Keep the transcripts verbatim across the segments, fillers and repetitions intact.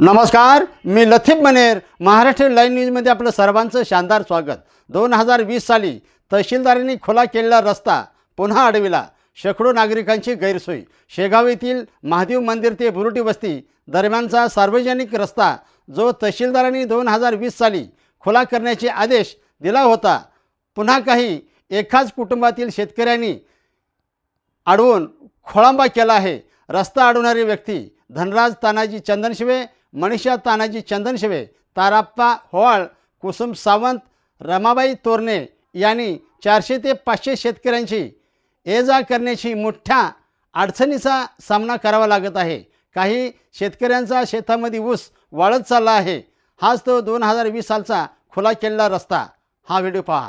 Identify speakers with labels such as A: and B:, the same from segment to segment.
A: नमस्कार, मी लतीफ मनेर. महाराष्ट्र लाईव्ह न्यूजमध्ये आपलं सर्वांचं शानदार स्वागत. दोन हजार वीस साली तहसीलदारांनी खुला केलेला रस्ता पुन्हा अडविला. शेकडो नागरिकांची गैरसोय. शेगाव येथील महादेव मंदिर ते बुरुटी वस्ती दरम्यानचा सार्वजनिक रस्ता जो तहसीलदारांनी दोन हजार वीस साली खुला करण्याचे आदेश दिला होता, पुन्हा काही एकाच कुटुंबातील शेतकऱ्यांनी अडवून खोळंबा केला आहे. रस्ता अडवणारी व्यक्ती धनराज तानाजी चंदनशिवे, मनीषा तानाजी चंदनशिवे, ताराप्पा होवाळ, कुसुम सावंत, रमाबाई तोरणे यांनी चारशे ते पाचशे शेतकऱ्यांची ये जा करण्याची मोठ्या अडचणीचा सामना करावा लागत आहे. काही शेतकऱ्यांचा शेतामध्ये ऊस वाळत चालला आहे. हाच तो दोन हजार वीस सालचा खुला केलेला रस्ता. हा व्हिडिओ पहा.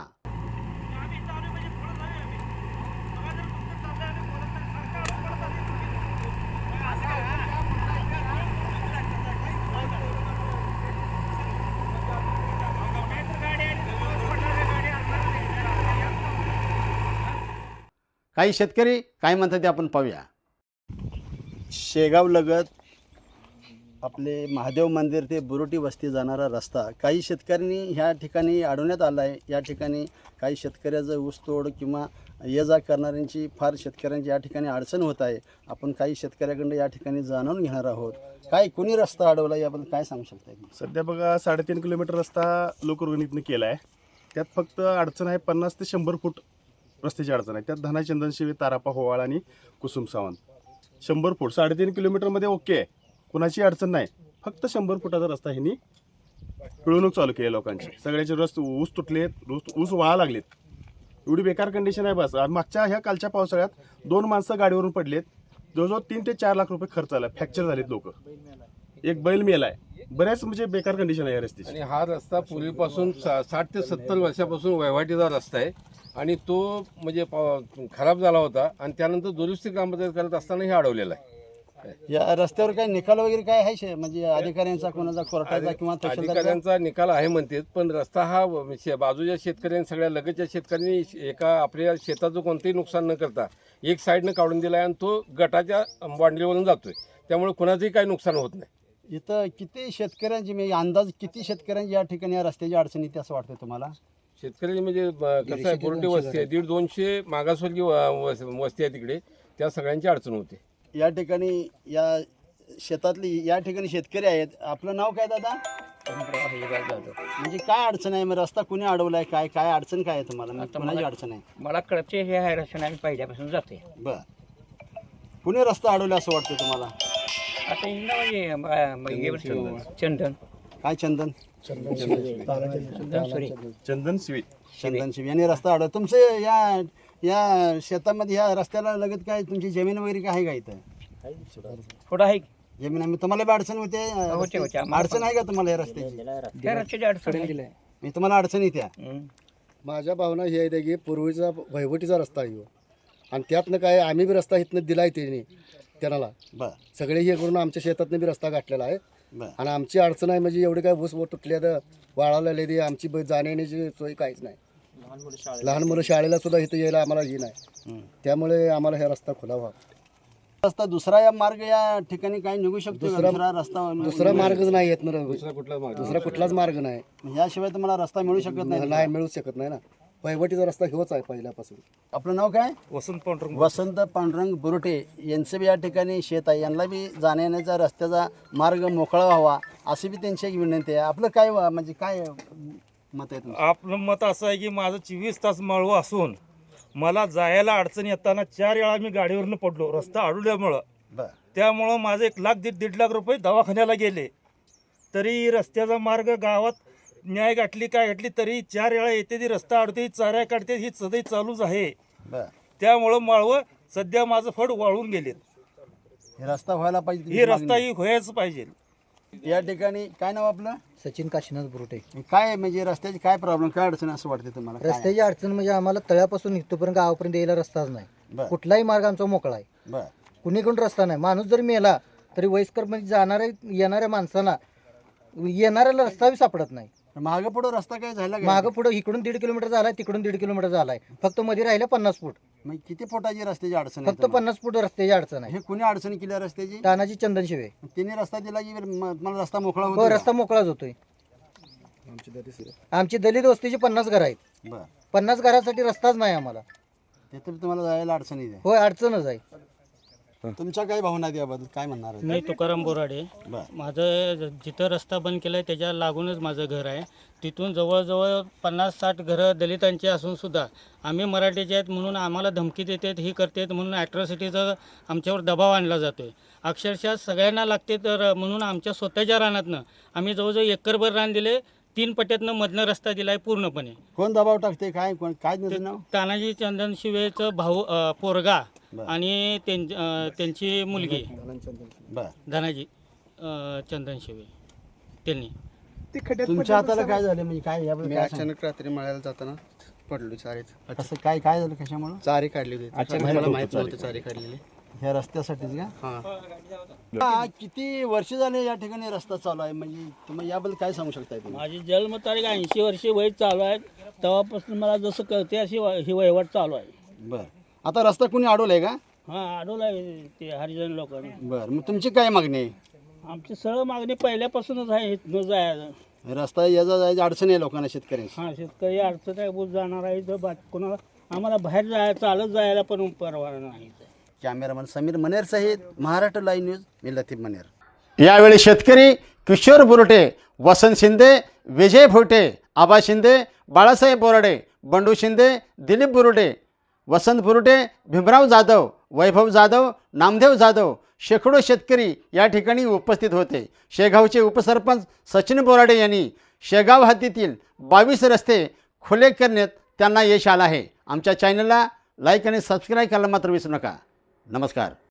A: काही शेतकरी काय म्हणतात ते आपण पाहूया. शेगाव लगत आपले महादेव मंदिर ते बुरुटी वस्ती जाणारा रस्ता काही शेतकऱ्यांनी ह्या ठिकाणी अडवण्यात आला आहे. या ठिकाणी काही शेतकऱ्याचं ऊसतोड किंवा ये जा करणाऱ्यांची फार शेतकऱ्यांची या ठिकाणी अडचण होत आहे. आपण काही शेतकऱ्याकडून या ठिकाणी जाणून घेणार आहोत. काय कोणी रस्ता अडवला याबद्दल काय सांगू शकता?
B: सध्या बघा साडेतीन किलोमीटर रस्ता लोकवर्गणीतनं केला आहे. त्यात फक्त अडचण आहे पन्नास ते शंभर फूट रस्त्याची अडचण आहे. त्यात धना चंदनशिवे, तारापा होवाळ आणि कुसुम सावंत शंभर फूट साडेतीन किलोमीटरमध्ये ओके आहे, कुणाची अडचण नाही. फक्त शंभर फुटाचा रस्ता ह्यांनी पिळवणूक चालू केली लोकांची. सगळ्याचे रस्ते ऊस तुटलेत, ऊस ऊस वाळा लागलेत. एवढी बेकार कंडिशन आहे. बस मागच्या ह्या कालच्या पावसाळ्यात दोन माणसं गाडीवरून पडलेत. जवळजवळ तीन ते चार लाख रुपये खर्च आला. फ्रॅक्चर झालेत लोक. एक बैल मेला आहे. बऱ्याच म्हणजे बेकार कंडिशन आहे या रस्त्याची.
C: आणि हा रस्ता पूर्वीपासून सा साठ ते सत्तर वर्षापासून वहिवाटीचा रस्ता आहे आणि तो म्हणजे खराब झाला होता आणि त्यानंतर दुरुस्ती ग्रामपंचायत करत असताना हे अडवलेला आहे.
A: या रस्त्यावर काय निकाल वगैरे काय आहे म्हणजे अधिकाऱ्यांचा, कोणाचा, कोर्टाचा किंवा
C: अधिकाऱ्यांचा निकाल आहे म्हणतात, पण रस्ता हा बाजूच्या शेतकऱ्यांनी सगळ्या लगतच्या शेतकऱ्यांनी एका आपल्या शेताचं कोणतंही नुकसान न करता एक साईडनं काढून दिला आहे आणि तो गटाच्या बांडलीवरून जातोय. त्यामुळे कुणाचंही काही नुकसान होत नाही.
A: इथं किती शेतकऱ्यांची म्हणजे अंदाज किती शेतकऱ्यांची या ठिकाणी या रस्त्याची अडचण येते असं वाटतं तुम्हाला?
C: शेतकऱ्यांची म्हणजे कसं आहे, बुरुटी वस्ती आहे, दीड दोनशे मागासवर्गीय वस्ती आहे तिकडे, त्या सगळ्यांची अडचण होते.
A: या ठिकाणी या शेतातली या ठिकाणी शेतकरी आहेत. आपलं नाव काय दादा? म्हणजे काय अडचण आहे? मग रस्ता कुणी अडवलाय? काय काय अडचण काय आहे तुम्हाला? कोणाची अडचण आहे?
D: मला कळते हे आहे रस्ता आम्ही पहिल्यापासून जाते.
A: बर, कुणी रस्ता अडवला असं वाटतं तुम्हाला?
D: आता म्हणजे चंदन
A: काय चंदन
D: चंदन सॉरी
B: चंदन शिवे
A: चंदन शिव यांनी रस्ता अडवला. तुमचे या या शेतामध्ये या रस्त्याला लगत काय तुमची जमीन वगैरे काय आहे का? इथं
D: थोडं आहे
A: जमीन आम्ही तुम्हाला बी अडचण होते?
D: होते होते
A: अडचण आहे का तुम्हाला या रस्त्याची?
D: त्या रस्त्याची अडचण आहे.
A: मी तुम्हाला अडचण येत्या?
E: माझ्या भावना ही आहे की पूर्वीचा वहिवटीचा रस्ता आहे आणि त्यातनं काय आम्ही बी रस्ता इथनं दिला आहे त्याने त्यांना.
A: बर,
E: सगळे हे करून आमच्या शेतातनं बी रस्ता गाठलेला आहे.
A: बर,
E: आणि आमची अडचण आहे म्हणजे एवढे काय ऊस व तुटल्या तर वाळवलेले ते आमची ब- जाण्याची सोय काहीच नाही. लहान मुलं शाळेला सुद्धा इथं यायला आम्हाला ही नाही. त्यामुळे आम्हाला हा रस्ता खुला व्हावा.
A: रस्ता दुसरा या मार्ग या ठिकाणी काही निघू शकतो? दुसरा रस्ता
E: दुसरा मार्गच नाही येत ना.
C: दुसरा कुठलाच मार्ग
E: दुसरा कुठलाच मार्ग नाही.
A: याशिवाय तुम्हाला रस्ता मिळू शकत नाही?
E: नाही मिळू शकत नाही ना. वहिवटीचा रस्ता हेच आहे पहिल्यापासून.
A: आपलं नाव काय?
C: वसंत पांढरंग
A: वसंत पांडुरंग बुरुटे यांचं बी या ठिकाणी शेत आहे. यांना बी जाण्या येण्याचा रस्त्याचा मार्ग मोकळा व्हावा अशी बी त्यांची एक विनंती आहे. आपलं काय व- म्हणजे काय मत आहे तुमचं?
F: आपलं मत असं आहे की माझं चोवीस तास माळवं असून मला जायला अडचण येताना चार वेळा मी गाडीवरनं पडलो रस्ता अडवल्यामुळं.
A: बर,
F: त्यामुळं माझं एक लाख दीड दीड लाख रुपये दवाखान्याला गेले. तरी रस्त्याचा मार्ग गावात न्याय गाठली काय गाठली तरी चार वेळा येते ती रस्ता अडते, चाऱ्या काढते, ही सदै चालूच आहे.
A: बर,
F: त्यामुळं माळवं सध्या माझं फड वाळून गेलेत.
A: हे रस्ता व्हायला पाहिजे.
F: ही रस्ता ही व्हायच पाहिजे.
A: या ठिकाणी काय नाव आपलं?
G: सचिन काशीनाथ बुरुटे.
A: काय म्हणजे रस्त्याची काय प्रॉब्लेम, काय अडचण असं वाटते तुम्हाला? काय?
G: रस्त्याची अडचण म्हणजे आम्हाला तळ्यापासून इथपर्यंत गावापर्यंत यायला रस्ताच नाही.
A: बर,
G: कुठलाही मार्ग आमचा मोकळा आहे.
A: बर,
G: कुणीकडून रस्ता नाही. माणूस जरी मेला तरी वयस्कर म्हणजे जाणाऱ्या येणाऱ्या माणसांना येणाऱ्याला रस्ता बी सापडत नाही.
A: मागं पुढं रस्ता काय झाला का?
G: मागं पुढं इकडून दीड किलोमीटर झालाय, तिकडून दीड किलोमीटर झालाय. फक्त मध्ये राहिलं पन्नास फूट.
A: मग किती फुटाची रस्त्याची अडचण आहे
G: फक्त
A: तुम्हाला?
G: पन्नास फूट रस्त्याची अडचण आहे.
A: हे कुणी अडचणी केल्या रस्त्याची?
G: तानाजी चंदन शिवे.
A: तिने रस्ता दिला की म- मला रस्ता मोकळा
G: हो,
A: होतो
G: रस्ता मोकळाच होतोय.
E: आमची दरी
G: आमची दलित वस्तीची पन्नास घरं आहेत.
A: बरं,
G: पन्नास घरासाठी रस्ताच नाही आम्हाला.
A: तिथे तुम्हाला जायला अडचणी आहे.
G: होय, अडचणच आहे.
A: तुमच्या काय भावना आहेत याबद्दल काय म्हणणार आहे?
H: मी तुकाराम बोराडे.
A: बरं.
H: माझं ज- जिथं रस्ता बंद केला आहे त्याच्या लागूनच माझं घर आहे. तिथून जवळजवळ पन्नास साठ घरं दलितांची असून सुद्धा आम्ही मराठीचे आहेत म्हणून आम्हाला धमकी देतात, ही करतात म्हणून ॲट्रॉसिटीचा आमच्यावर दबाव आणला जातो आहे. अक्षरशः सगळ्यांना लागते तर म्हणून आमच्या स्वतःच्या रानातनं आम्ही जवळजवळ एकरभर रान दिले. तीन पट्ट्यातनं मधनं रस्ता दिला आहे पूर्णपणे.
A: कोण दबाव टाकते काय कोण काय त्याचं नाव?
H: तानाजी चंदन शिवेचं भाऊ अ, पोरगा
A: बरं.
H: आणि त्यां- अ, त्यांची मुलगी
A: बरं,
H: धनाजी अ, चंदन शिवे त्यांनी.
A: तुमच्या हाताला काय झालं म्हणजे काय याबद्दल
E: मी
A: काय सांग-
E: अचानक रात्री मळ्याला जाताना पडलो चारीत.
A: असं काय काय झालं कशामुळं?
E: चारी काढली होती मला माहित नव्हतं चारी काढलेली.
A: ह्या रस्त्यासाठीच का?
E: हां
A: हा, किती वर्ष झाले या ठिकाणी रस्ता चालू आहे म्हणजे तुम्ही याबद्दल काय सांगू शकताय तुम्ही?
I: माझी जन्मतारीख ऐंशी वर्षे वय चालू आहे. तेव्हापासून मला जसं कळते अशी वा- ही वहिवाट चालू आहे.
A: बरं, आता रस्ता कुणी अडवलाय का?
I: हां, अडवलं आहे ते हरिजन लोकांनी.
A: बरं, मग तुमची काय मागणी आहे?
I: आमची सरळ मागणी पहिल्यापासूनच आहे इथनं जायचं.
A: रस्ता याचा जायची अडचण आहे लोकांना, शेतकऱ्यांची.
I: हां, शेतकरी अडचण आहे, बुज जाणार आहे तर बाकी कोणाला आम्हाला बाहेर जायला चालत जायला पण परवाना नाही.
A: कॅमेरामन समीर मनेर सहित महाराष्ट्र लाईव्ह न्यूज, मी लतीफ मनेर. यावेळी शेतकरी किशोर बुरटे, वसंत शिंदे, विजय भोटे, आबा शिंदे, बाळासाहेब बोराडे, बंडू शिंदे, दिलीप बुरुडे, वसंत बुरुटे, भीमराव जाधव, वैभव जाधव, नामदेव जाधव, शेकडो शेतकरी या ठिकाणी उपस्थित होते. शेगावचे उपसरपंच सचिन बोराडे यांनी शेगाव हद्दीतील बावीस रस्ते खुले करण्यात त्यांना यश आलं आहे. आमच्या चॅनलला लाईक आणि सबस्क्राईब करायला मात्र विसरू नका. नमस्कार.